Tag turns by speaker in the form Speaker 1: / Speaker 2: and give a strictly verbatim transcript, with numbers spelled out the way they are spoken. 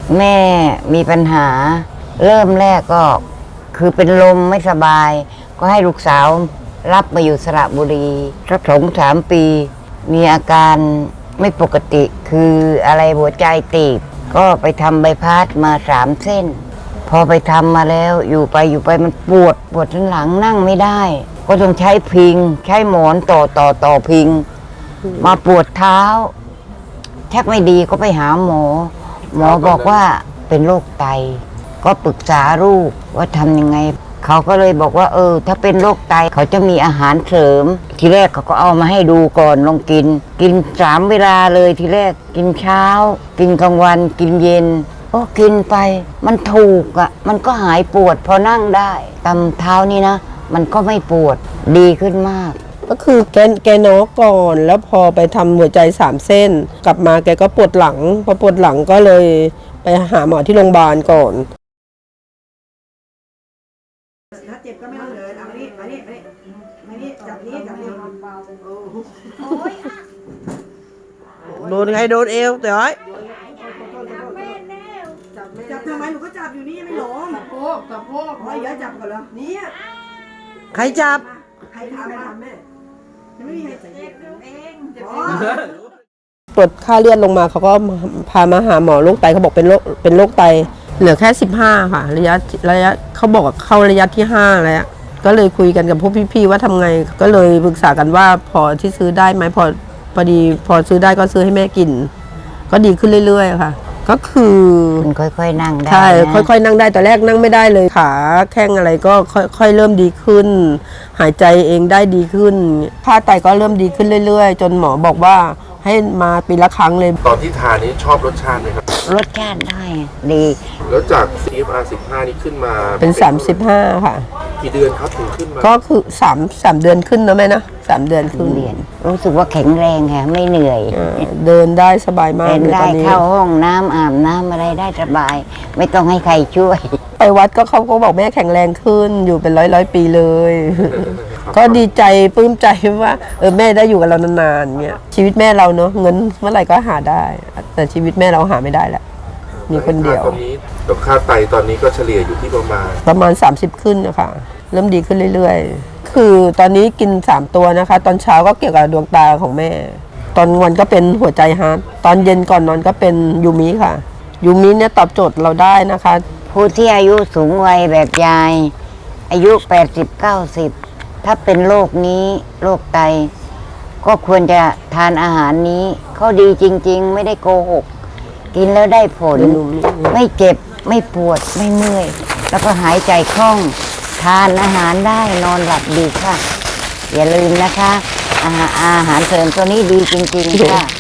Speaker 1: แม่มีปัญหาเริ่มแรกก็คือเป็นลมไม่สบาย ก็ให้ลูกสาวรับมาอยู่สระบุรีสักสองสามปี มีอาการไม่ปกติคืออะไรหัวใจตีบก็ไปทำใบพัดมาสามเส้น พอไปทำมาแล้วอยู่ไปอยู่ไปมันปวดปวดทั้งหลังนั่งไม่ได้ ก็ต้องใช้พิงใช้หมอนต่อต่อต่อพิง มาปวดเท้าแทบไม่ดีก็ไปหาหมอ หมอบอกว่าเป็นโรคไต ก็ปรึกษาลูกว่าทำยังไง เขาก็เลยบอกว่าเออถ้าเป็นโรคไตเขาจะมีอาหารเสริม ทีแรกเขาก็เอามาให้ดูก่อนลองกิน กินสามเวลาเลยทีแรกกินเช้า กินกลางวันกินเย็นก็กินไปมันถูกอ่ะมันก็หายปวดพอนั่งได้ตำเท้านี่นะมันก็ไม่ปวดดีขึ้นมาก
Speaker 2: ก็คือแกแกน้อก่อนแล้วพอไปทำหัวใจสามเส้นกลับมาแกก็ปวดหลังพอปวดหลังก็เลยไปหาหมอที่โรงพยาบาลก่อน
Speaker 3: ถ้าเจ็บก็ไม่ต้องเดินเอามานี่มานี่มานี่มานี่จับนี้จับนี้
Speaker 2: โดนใครโดนเอวแต่ไอ้
Speaker 3: จับทำไมหนูก็จับอยู่นี่ไม่หลงสะโพกสะโพกอ๋ออย่าจับก่อนเหรอนี่
Speaker 2: ใครจับ
Speaker 3: ใครทำมาแม่ยังไม่มีใครเจ็บเอง
Speaker 2: ตรวจค่าเลือดลงมาเขาก็พามาหาหมอโรคไตเขาบอกเป็นโรคเป็นโรคไตเหลือแค่สิบห้าค่ะระยะระยะเขาบอกว่าเข้าระยะที่ห้าแล้วก็เลยคุยกันกับพวกพี่ๆว่าทำไงก็เลยปรึกษากันว่าพอที่ซื้อได้ไหมพอพอดีพอซื้อได้ก็ซื้อให้แม่กินก็ดีขึ้นเรื่อยๆค่ะก็คือ
Speaker 1: มันค่อยๆนั่งได้
Speaker 2: ใช่ค่อยๆนั่งได้แต่แรกนั่งไม่ได้เลยขาแข้งอะไรก็ค่อยๆเริ่มดีขึ้นหายใจเองได้ดีขึ้นค่าไตก็เริ่มดีขึ้นเรื่อยๆจนหมอบอกว่าให้มาปีละครั้งเลย
Speaker 4: ตอนที่ทานนี้ชอบรสชาติไหมครับ
Speaker 1: รสชาติได้ดี
Speaker 4: แล้วจาก ซี เอฟ อาร์ สิบห้านี่ขึ้นมา
Speaker 2: เป็นสามสิบห้าค่ะ
Speaker 4: กี่เดือนครับถึงขึ้นมา
Speaker 2: ก็คือสามสามเดือนขึ้นนะแม่นะสามเดือนขึ้น
Speaker 1: เรียนรู้สึกว่าแข็งแรงค่ะไม่เหนื่อย
Speaker 2: เดินได้สบายมาก
Speaker 1: เดินได้เข้าห้องน้ำอาบน้ำอะไรได้สบายไม่ต้องให้ใครช่วย
Speaker 2: ไปวัดก็เขาก็บอกแม่แข็งแรงขึ้นอยู่เป็นร้อยร้อยปีเลยก็ดีใจปลื้มใจว่าเออแม่ได้อยู่กับเรานานๆเงี้ยชีวิตแม่เราเนอะเงินเมื่อไหร่ก็หาได้แต่ชีวิตแม่เราหาไม่ได้แหละมีคนเดียว
Speaker 4: ตอนนี้ดอกค่าไตตอนนี้ก็เฉลี่ยอยู่ที่ประมาณ
Speaker 2: ประมาณสามสิบขึ้นนะคะเริ่มดีขึ้นเรื่อยๆคือตอนนี้กินสามตัวนะคะตอนเช้าก็เกี่ยวกับดวงตาของแม่ตอนวันก็เป็นหัวใจฮาร์ทตอนเย็นก่อนนอนก็เป็นยูมิค่ะยูมิเนี่ยตอบโจทย์เราได้นะคะ
Speaker 1: ผู้ที่อายุสูงวัยแบบยายอายุแปดสิบ เก้าสิบถ้าเป็นโรคนี้โรคไตก็ควรจะทานอาหารนี้เขาดีจริงๆไม่ได้โกหกกินแล้วได้ผลไม่เจ็บไม่ปวดไม่เมื่อยแล้วก็หายใจคล่องทานอาหารได้นอนหลับดีค่ะอย่าลืมนะคะอาหารอาหารเสริมตัวนี้ดีจริงๆค่ะ